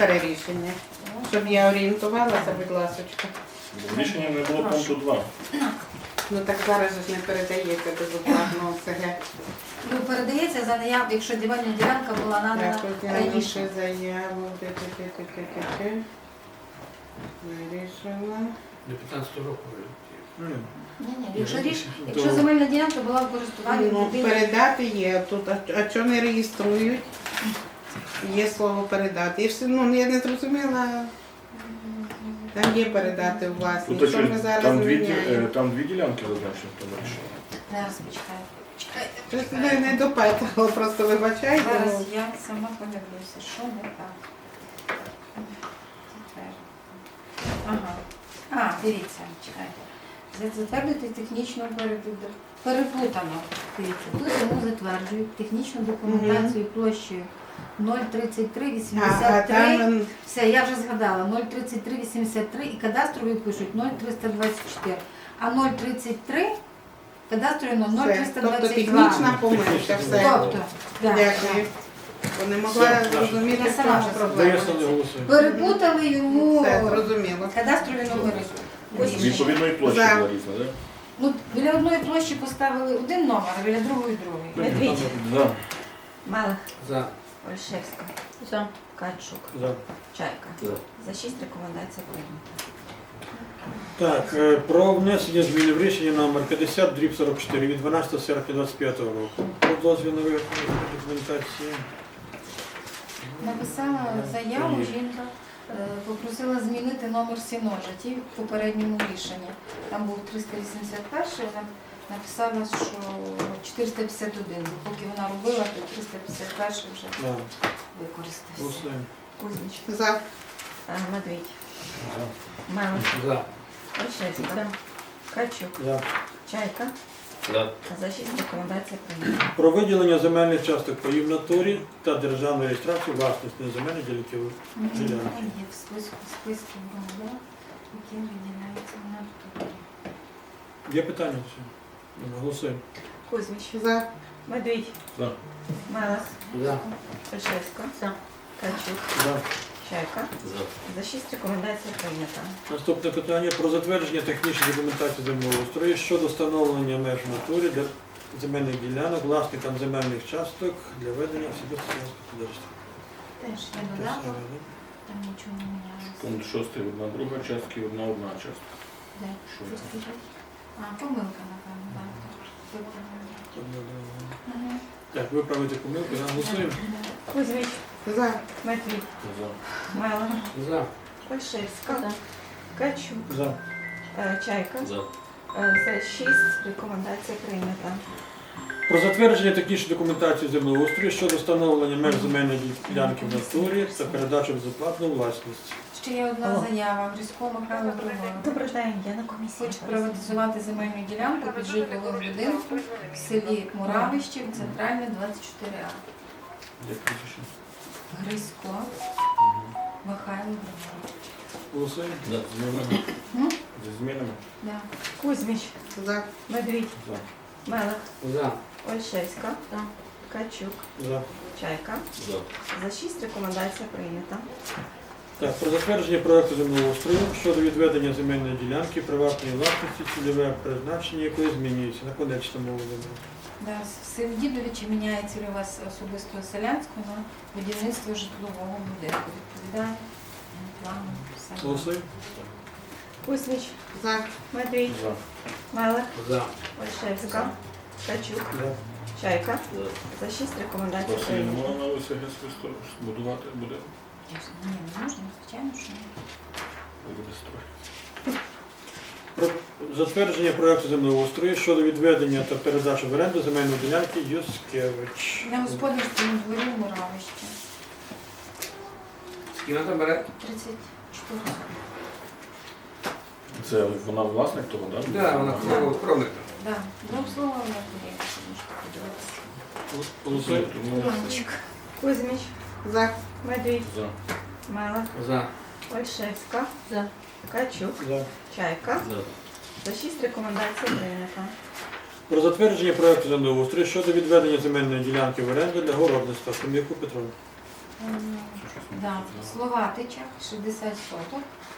повторі рішення. Щоб я орієнтувалася, будь ласочка. Рішення не було пункту 2. Ну так зараз же ж не передається безоплатно ОСГ. Ну, передається за наяву, якщо земельна ділянка була надана раніше. Раніше заяву. Вирішила. До 15 року. Ні. Якщо земельна ділянка була в користуванні Ну, людини. передати є тут, а чого не реєструють? Є слово передати. І все, ну, я не зрозуміла. Там є передати у власність. Тут Що ми зараз там зміняємо? там дві ділянки зазначені в тому рішенні. Зараз почекаю. Чекайте. Щось не допитала, просто вибачайте. Зараз ну. я сама подивлюся, що не так. Тепер. Ага. Дивіться, чекайте. Затвердити технічну переплутано. Дивіться, тут йому затверджують технічну документацію площею 03383. там Все, я вже згадала, 03383 і кадастрові пишуть 0324. А 033 кадастрові все. 0322. Тобто технічна помилка, все. Тобто, да, Дякую. Бо не могла Все, зрозуміти, я в сама чому вже проблема. Даєшся не голосує. перепутали йому Все, зрозуміло. кадастрові номери. З відповідної площі За. була різна, так? Ну, біля одної площі поставили один номер, а біля другої другий. Медвідь, За. Малих, За. Ольшевська, Качук, За. Чайка. За. За 6 рекомендацій прийнято. Так, про внесення зміни в рішення номер 50/44 від 12 серпня 2025 року. Про дозвіл на виготовлення документації. Написала заяву, жінка попросила змінити номер сіножаті в попередньому рішенні. Там був 381, вона написала, що 451. Поки вона робила, то 351 вже Да. використався. Голосуємо. Кузьміч, За. Медвідь, За. Малих, За. Ольшевська, Качук, За. Чайка. За. За 6 рекомендацій прийнято. Про виділення земельних часток паїв в натурі та державну реєстрацію власності неземельних ділянків. Ділянки. Є в списку громадян, які виділяються на натурі. Є питання? Чи? Голосуємо. Кузьміч, За. Медвідь, За. Малих, За. Ольшевська, Качук, За. Чайка. За 6 рекомендацій прийнято. Наступне питання про затвердження технічної документації землеустрою щодо встановлення меж в натурі для земельних ділянок власникам земельних часток для ведення особистого господарства. Теж я додала, там нічого не мінялося. Пункт 6. Одна друга частка і одна частка. Де? Що Що це? скажіть? А, помилка, напевно, так. Виправила. Ага. Так, виправити помилку, голосуємо. Кузьміч, За. Медвідь, За. Малих, За. Ольшевська, Качук, За. Чайка. За. За 6 рекомендацій прийнято. Про затвердження технічної документації землеустрою щодо встановлення меж земельної ділянки в натурі та передачу безоплатну власність. Ще є одна заява. Грицько Михайло Григорович. Добрий день, я на комісії. Хоче приватизувати земельну ділянку під житловим будинком в селі Муравище, центральне 24А. Як прізвище? Грицько Михайло Григорович. Голосуємо. За. З змінами. М? Зі змінами. Да. Кузьміч, За. Медвідь, За. Малих, За. Ольшевська, Качук, За. Чайка. За. За 6 рекомендацій прийнято. Так, про затвердження проекту землеустрою щодо відведення земельної ділянки приватної власності, цільове призначення якої змінюється. На конечному землі. Да, в селі Дідовичі міняє цільове особистого селянського на будівництво житлового будинку. Відповідає плану. все. Голосуємо. Кузьміч, За. Медвідь, За. Малих, За. Ольшевська, Качук, За. Чайка. За 6 рекомендацій Василь, не прийнято. можна на ОСГ свисто будувати буде? Ні, не можна, звичайно, що ні. Буде строй. Про затвердження проекту землеустрою щодо відведення та передачі в оренду земельної ділянки Юскевич. На господарському дворі в Муравищі. Скільки вона там бере? 34. Це вона власник того, так? Так, вона кровник. Да, двом словом я подивлюся, можете подивитися. Голосуємо. Іванчик. Кузьміч, За. Медвідь, За. Малих, За. Ольшевська, Качук, За. Чайка. За. За 6 рекомендацій прийнято. Про затвердження проекту землеустрою щодо відведення земельної ділянки в оренду для городництва. Ком'яку Петровна. Да, Словатичах 60 соток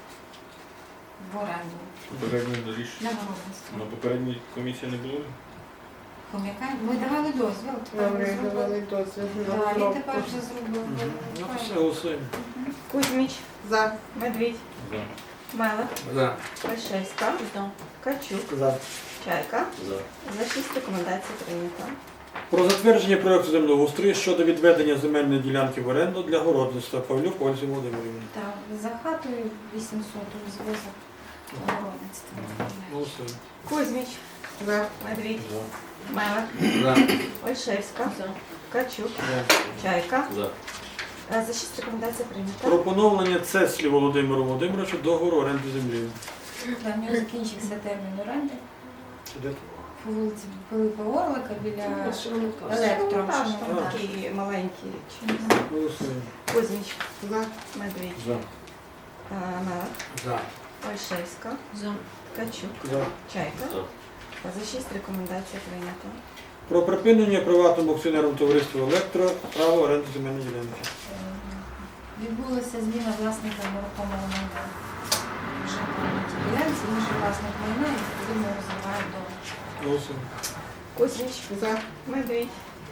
в оренду Попереднє рішення. для городництва. На попередній комісії не було? Хом'яка, ми давали дозвіл, тепер ми Добре, зробили. давали дозвіл на Да, він розробку. тепер вже зробив. Ну, все, голосуємо. Кузьміч, За. Медвідь, За. Мелик, За. Ольшевська, Качук, За. Чайка. За. За 6 рекомендацій прийнято. Про затвердження проекту землеустрою щодо відведення земельної ділянки в оренду для городництва Павлюк Ользі Володимирівні. Так, за хатою 800 зв'язок городництва. Голосуємо. Кузьміч, За. Медвідь, За. Мелик, За. Ольшевська, Качук, За. Чайка. За. За 6 рекомендацій прийнято. Про поновлення Цеслі Володимиру Володимировичу договору оренди землі. Да, в нього закінчився термін оренди Де? по вулиці Пилипа Орлика біля електро. Шиномонтаж, Ну, там так. такі маленькі. Голосуємо. Кузьміч, За. Медвідь, За. Мелик, За. Ольшевська, Качук, За. Чайка. За. За 6 рекомендацій прийнято. Про припинення приватному акціонерному товариству «Електро» право оренди земельної ділянки. Відбулася зміна власника нерухомого майна. Вже на тій ділянці, інший власник майна і відповідно розвиває до Голосуємо. Кузьміч, За. Медвідь,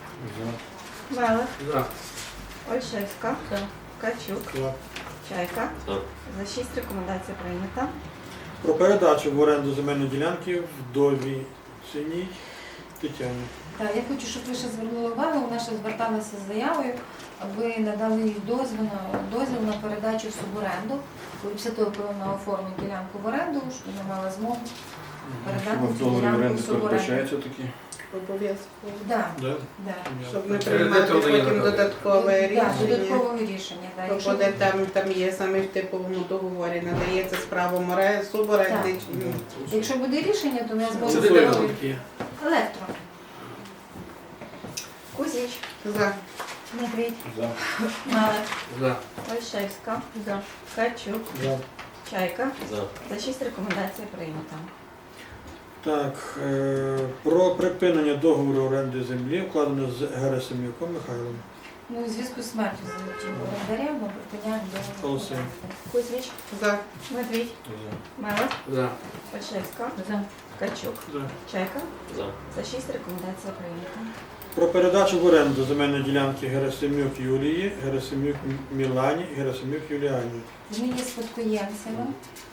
За. Мелик, За. Ольшевська, Качук, За. Чайка. За. За 6 рекомендацій прийнято. Про передачу в оренду земельної ділянки вдові Синій Тетяні. Так, я хочу, щоб ви ще звернули увагу, вона ще зверталася з заявою, аби надали їй дозвіл на передачу в суборенду. Коли після того, коли вона оформить ділянку в оренду, щоб вона мала змогу передати В цю договорі ділянку оренди в суборенду. передбачається такі? Обов'язково. Да, Да? да. Щоб не Це приймати де то вони потім роблять? додаткове Да, рішення. додаткового рішення. Да. То Якщо буде там є саме в типовому договорі, надається з правом суборенди. Якщо буде рішення, то ми Це зможемо де зробити то такі? електро. Кузьміч, За. Медвідь, За. Мелик, За. Ольшевська, Качук, За. Чайка. За. За 6 рекомендацій прийнято. Так, про припинення договору оренди землі вкладено з Герасимюком Михайлом. Ну, у зв'язку з смертю орендаря ми припиняємо договір. Голосуємо. Кузьміч, За. Медвідь, За. Мелик, За. Ольшевська, Качук, За. Чайка. За. За 6 рекомендацій прийнято. Про передачу в оренду земельної ділянки Герасимюк Юлії, Герасимюк Мілані, Герасимюк Юліані. Вони є спадкоємцями.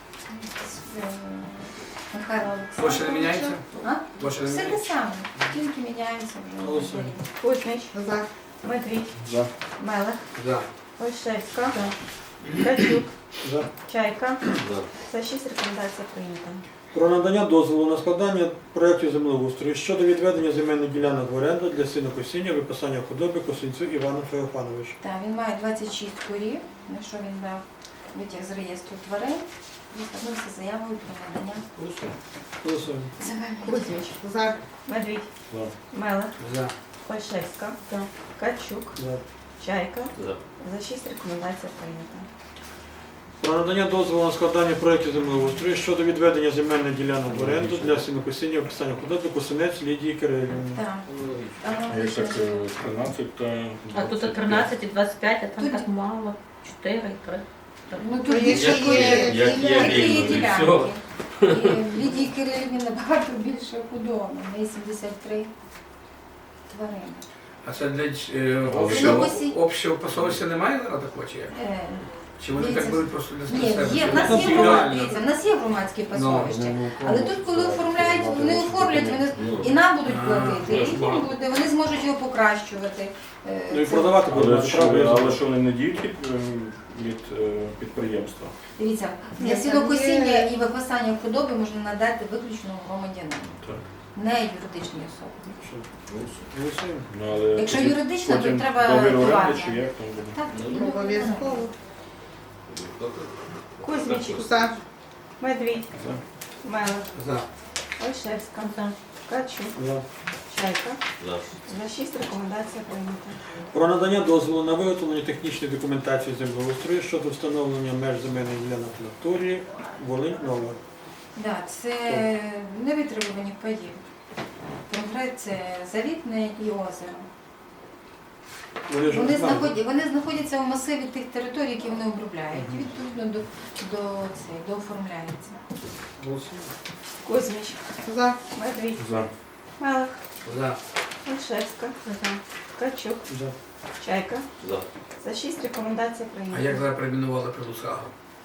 Михайла Площа не Олександровича. міняється? А? Площа не Все те міняється? саме, тільки міняється вже. Голосуємо. Кузьміч, За. Медвідь, За. Мелик, За. Ольшевська, Качук, За. Чайка. За. За 6 рекомендацій прийнято. Про надання дозволу на складання проєктів землеустрою щодо відведення земельних ділянок в оренду для сінокосіння, виписання худоби Косинцю Івану Феофановичу. Так, він має 26 корів, на що він дав витяг з реєстру тварин і звернувся з заявою про надання Голосуємо. земельних. Кузьміч, За. Медвідь, За. Мелик, За. Ольшевська, Качук, За. Чайка. За. За 6 рекомендацій прийнято. Про надання дозволу на складання проєктів землеустрою щодо відведення земельних ділянок в оренду для сінокосіння, виписання худоби Косинець Лідії Кирилівни. Так, там А як так 13 та А тут 13 і 25, а там Тут- так мало. 4 і 3. ну То тут є більше ще корів, є- як є які рівно, є і ділянки. все. І в Лідії Кирилівні набагато більше худоби, в неї 73 тварини. А це для Сінокосіння. общого посольства немає зараз такого чи як? Е, Чи вони Дивіться. так беруть просто для Ні, себе? є, в Чи нас це є індивідуально? в нас є громадське пасовище. Але тут, коли оформляють, вони оформлять, вони Ну, і нам будуть платити, ну, і їм буде, вони зможуть його покращувати. Ну і Це- продавати Але будуть що, право. але що вони не діють від підприємства? Дивіться, Ні, для там сінокосіння є- і випасання худоби можна надати виключно громадянину, Так. не юридичній особі. Голосуємо. Ну, але Якщо тоді юридична, то потім треба договір оренди приватна. чи як там буде? Так, і не Обов'язково. Кузьміч, За. Медвідь, За. Мелик, За. Ольшевська, Качук, За. Чайка. За. За 6 рекомендацій прийнято. Про надання дозволу на виготовлення технічної документації землеустрою щодо встановлення меж земельних ділянок в натурі Волинь-Нова. Да, це невитребувані паї. Конкрет це Завітне і озеро. Вони ж Вони знаходяться в масиві тих територій, які вони обробляють. І відповідно до оформляється. Голосуємо. Кузьміч, За. Медвідь, За. Мелих, За. Ольшевська, Ткачук, За. Чайка. За. За 6 рекомендація А як прийнята. зараз перейменували Прилуцького?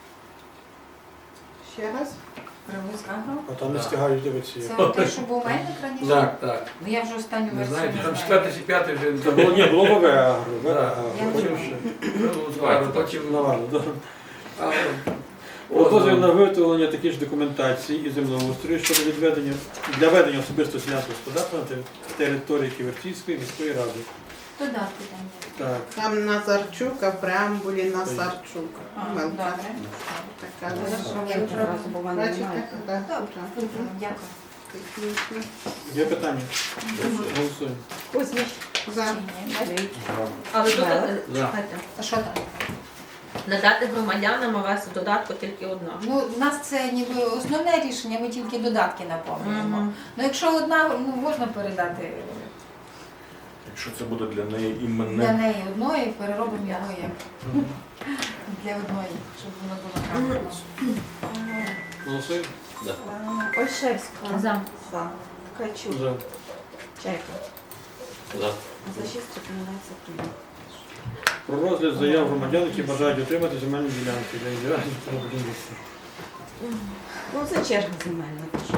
Ще раз. Привозка. А там не встигають дивитися. Це те, що був мельник раніше? Так, так. Ну я вже останню Не версію знаєте, не там знаю. 4 чи 5 вже Це було, ні, було ВВ Агро, Да. Я потім не ще. Прилуцького, потім Навально, да. А, Про дозвіл на Озон. виготовлення такі ж документації і землеустрою щодо відведення для ведення особистого селянського господарства на території Ківерцівської міської ради. Додатки там є. Так, Там Назарчук, а в преамбулі Насарчук. Помилка. Добре. Така. Я одразу, бо в мене Бачите? немає. Так, Добре. Дякую. технічно. є питання? Голосуємо. Кузьміч, За. Чи ні? За. Але тут, За. чекайте, А що там? надати громадянам ОВС в додатку тільки одна. Ну, у нас це ніби основне рішення, ми тільки додатки наповнюємо. Мгм. Ну, якщо одна, ну, можна передати Якщо це буде для неї для іменне. неї одної, переробимо його як для одної, щоб воно було правильно. Голосуємо? Ольшевська. За. За. Ткачук, За. Чайка. За. За 6 рекомендація прийнята. Про розгляд заяв громадян, які бажають отримати земельні ділянки для індивідуальних та будівництва. Ну, це черга земельна. пішла.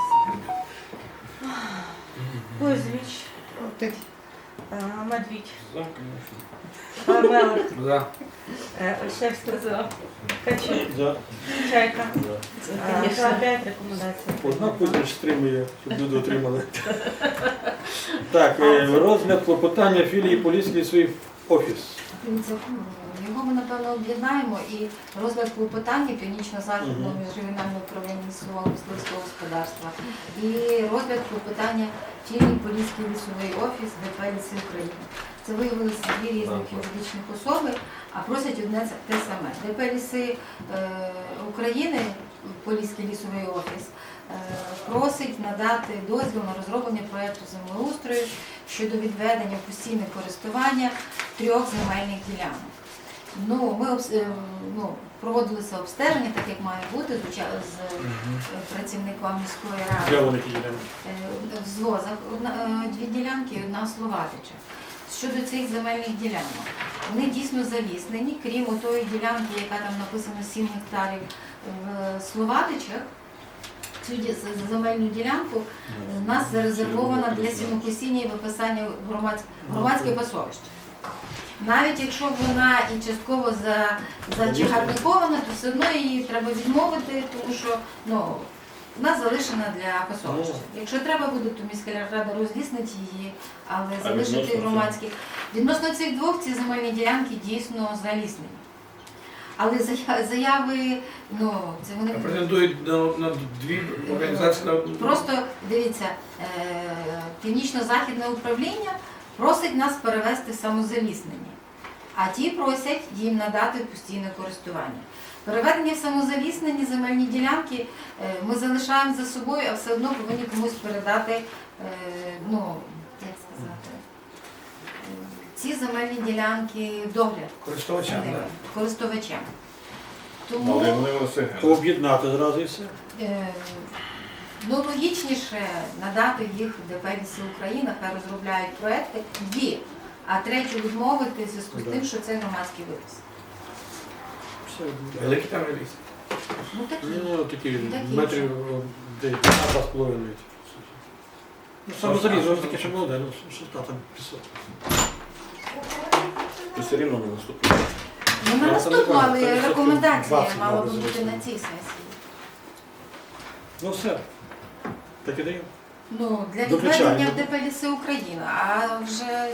Кузьміч, Ти- Медвідь, За, звісно. Мелих, За. Ольшевська. За. Ткачук, За. Чайка. За. За 5 рекомендацій Одна прийнята. Путін стримує, щоб люди отримали. Так, розгляд клопотання філії Поліський свій офіс. Дивіться, його ми, напевно, об'єднаємо і розгляд клопотання Північно-Західного міжрегіонального управління лісового мисливського господарства і розгляд клопотання філії Поліський лісовий офіс ДП «Ліси України». Це виявилися дві різних юридичних особи, а просять одне те саме. ДП «Ліси України», Поліський лісовий офіс, просить надати дозвіл на розроблення проєкту землеустрою щодо відведення в постійне користування 3 земельних ділянок. Ну, ми проводилися обстеження, так як має бути, з працівником міської ради. Де вони ті ділянки? В звозах 2 ділянки і 1 Словатича. Щодо цих земельних ділянок, вони дійсно заліснені, крім тої ділянки, яка там написано 7 гектарів в Словатичах. Цю земельну ділянку у нас зарезервована для сінокосіння і виписання громадське пасовище. Навіть якщо вона і частково зачагарникована, то все одно її треба відмовити, тому що вона залишена для пасовища. Якщо треба буде, то міська рада розліснить її, але залишити відносно громадських. Відносно цих двох, ці земельні ділянки дійсно заліснені. Але заяви, це вони... Претендують на 2 організації. Просто, дивіться, Північно-Західне управління просить нас перевести в самозаліснення, а ті просять їм надати в постійне користування. Переведення в самозаліснені земельні ділянки ми залишаємо за собою, а все одно повинні комусь передати, як сказати, ці земельні ділянки догляд Користувачам, так. користувачам. Але Тому вони все. Об'єднати зразу і все. логічніше надати їх ДП «Ліси України», хай розробляють проекти 2, а 3 відмовити в зв'язку з тим, що це громадський випис. Все. Великий там реліз. Ну такі. Ну, такі Такі метрів 2,5. Ну, саме залізо, таке ще молоде, що там пісок. То все рівно не наступить. Ну, на це наступну, не але правильно. Це рекомендація 20 мала мали би бути залишити. на цій сесії. Ну все. Так і даємо. Ну, для Доключаємо. відведення в ДП «Ліси України», а вже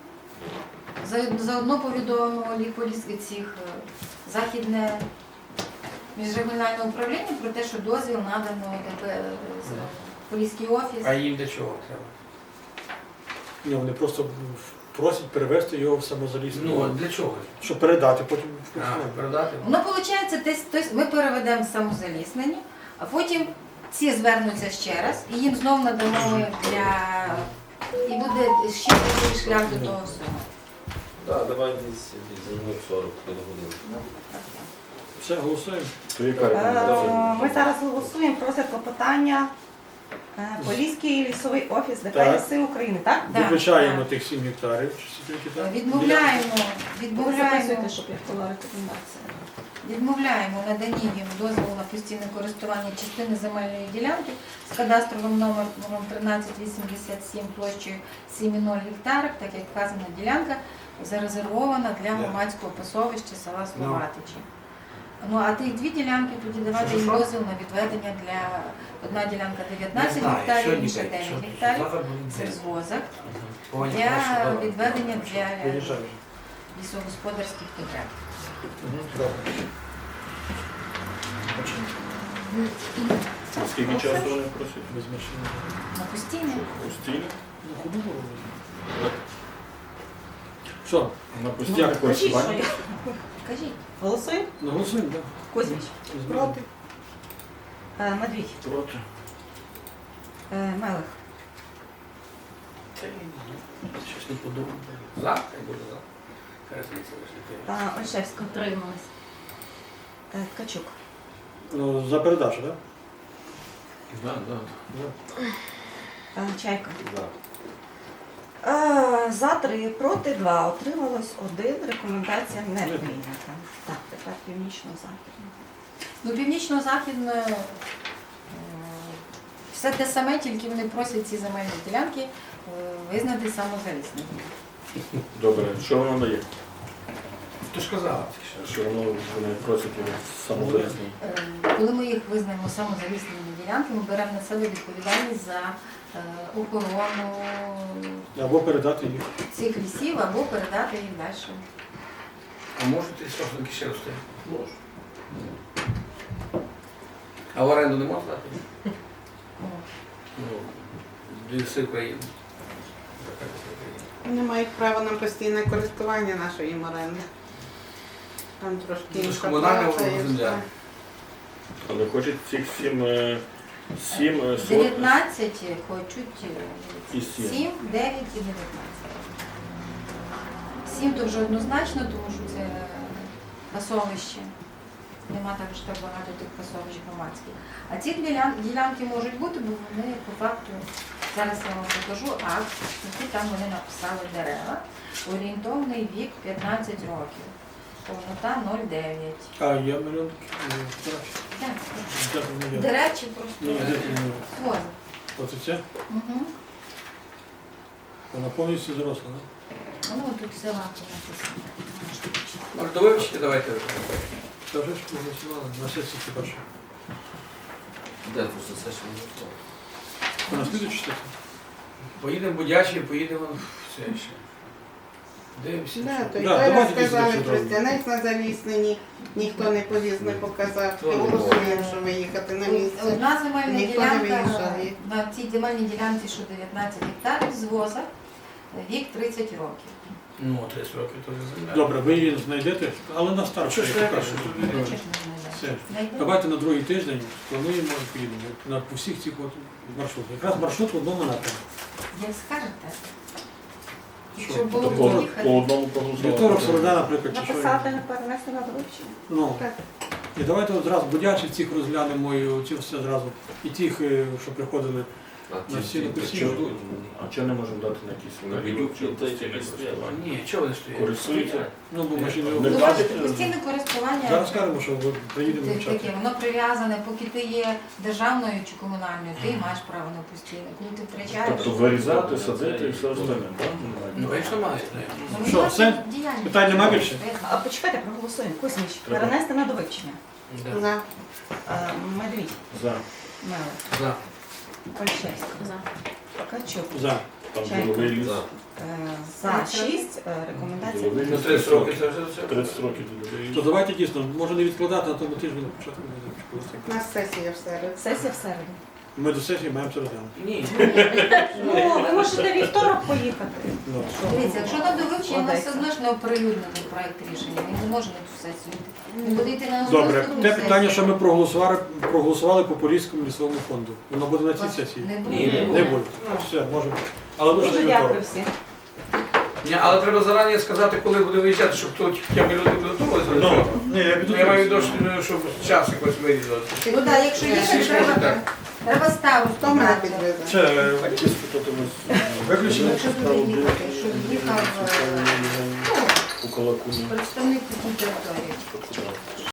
заодно повідомимо цих Західне міжрегіональне управління про те, що дозвіл надано ДП Поліський офіс. А їм для чого треба? Ні, вони просто просять перевести його в самозалізну. Ну, а для чого? Щоб передати потім в А, користування. передати? Воно виходить, ми переведемо в самозаліснені, а потім ці звернуться ще раз, і їм знову надамо і буде ще такий шлях до того всього. Так, давай десь за минут 40 до години. Все, голосуємо. То яка рекомендація? Ми зараз голосуємо про це клопотання Поліський лісовий офіс ДП Так. «Ліси України», так? Да, Виключаємо так. тих 7 гектарів. Чи скільки там? Відмовляємо, Ви відмовляємо. записуєте, щоб я була рекомендація. Відмовляємо наданні їм дозволу на постійне користування частини земельної ділянки з кадастровим номером 1387 площею 7,0 гектарів, так як вказана ділянка зарезервована для громадського пасовища села Словатичі. Ну а тих дві ділянки тоді давати їм дозвіл на відведення для одна ділянка 19 гектарів, інша 9 гектарів. Це звозок для відведення для Виїжджаємо. лісогосподарських потреб. Добре. Скільки часу вони просять? Без машини. На постійне. Постійно? Ну, куди було? Що? На постійне Кажіть, що користування? є. Кажіть. Голосуємо? Ну, голосуємо, так. Кузьміч. Проти. Медвідь. Проти. Мелих. Щось не подумав. За, хай буде за. Хай звідси вийшли. Ольшевська. Утрималась. Ткачук. Ну, за передачу, так? Да, да. Чайка. Да. За 3, проти 2. Отрималось 1. Рекомендація не прийнята. Так, тепер північно-західна. Ну, північно-західне все те саме, тільки вони просять ці земельні ділянки визнати самозалісними. Добре, що воно дає? Ти ж казала. Що вони просять його самозалісні? Коли ми їх визнаємо самозалісними ділянками, ми беремо на себе відповідальність за охорону Або передати їх. цих лісів або передати їх далі. А може ти сосенки ще рости? Можу. А в оренду не можна дати? От. Ну, ліси України. Вони мають право на постійне користування нашої оренди. Там трошки Ну, це ж інша комунальна плата і земля. все. Але хочуть цих 7 сот 19 хочуть і 7. 7, 9 і 19. 7 то вже однозначно, тому що це пасовище. Нема також так багато тих пасовищ громадських. А ці ділянки можуть бути, бо вони по факту, зараз я вам покажу акт, який там вони написали дерева. Орієнтовний вік 15 років. Повнота 0,9. А, я мільйон. До речі, просто Ні, де ти не- хвост. Оце це? Угу. Вона повністю зросла, так? Ну, тут все лапи написано. Може, до вивчити давайте. Та вже ж проголосували на сесії хіба що. Де просто все, що не готово. Вона слідуюча сесія? Поїдемо в Будячі, поїдемо в це ще. Дивимося. Да, що. то й Да, зараз давайте сказали, після цього. Тростянець на залісненні, ніхто не поліз, не показав. Хто не Голосуємо, що виїхати на місце. Одна земельна Ніхто не ділянка, виїжджає. на цій земельній ділянці, що 19 гектарів з воза, вік 30 років. Ну, 30 років то вже земля. Добре, ви її знайдете, але на старт. Що ж я я покажу. кажу? Ну, чесно, Все. не знайдемо. Давайте на другий тиждень плануємо і поїдемо на по всіх цих от маршрутах. Якраз маршрут в одному напрямку. Як скажете. Що? Якщо було То б по поїхати. одному Вівторок, проголосувати. середа, наприклад, чи що. Написати, перенести на довивчення. Ну. Так. І давайте одразу будячі цих розглянемо і ці все зразу. І тих, що приходили. А На ті всі написано. чого? А чого не можемо дати на якісь На відюк чи та й постійне такі стоять. користування? Ні, чого вони стоять? Користуються? Ну, бо машини. Не Ну, платять? бачите, постійне користування. Зараз скажемо, що от приїдемо Таке, вчати. воно прив'язане, поки ти є державною чи комунальною, ти маєш право на постійне. Коли ти втрачаєш. Тобто вирізати, садити і все остальне, так? Ну, якщо мають. Ну, Що, власне, все? діяльність. Питань нема більше? А почекайте, проголосуємо. Кузьміч, Треба. перенести на довивчення. Да. За. Медвідь. За. Мелих. За. Ольшевська. За. Ткачук. За. Там Чайка. діловий ліс. За. За 6. Рекомендація. Діловий Ну, ліс 30 років це вже все. 30 років діловий То ліс. давайте дійсно, може не відкладати на тому тижні на початку. У нас сесія в середу. Сесія в середу. Ми до сесії маємо це розглянути. Ні. Ну, ви можете вівторок поїхати. Ну. Дивіться, якщо там до вивчення, у нас Складається. все одно ж не оприлюднений проект рішення. Він не може на цю сесію йти. Він буде йти на Добре, наступну те сесію. питання, що ми проголосували по Поліському лісовому фонду. Воно буде на цій сесії. Не Ні, буде. Не буде. Все, можемо. Але лише Дуже вівторок. дякую всім. Ні, але треба зарані сказати, коли буде виїжджати, щоб тут хоча б люди підготувалися до цього. Ні, я піду. Я маю досвід, щоб час якось вирізати. Ну так, якщо їхати, Всі треба, скажуть так. треба старосту Хто мене брати. підвезе? Це якісь тут виключення. Якщо буде їхати, щоб їхав У Калакуні. представник такій території.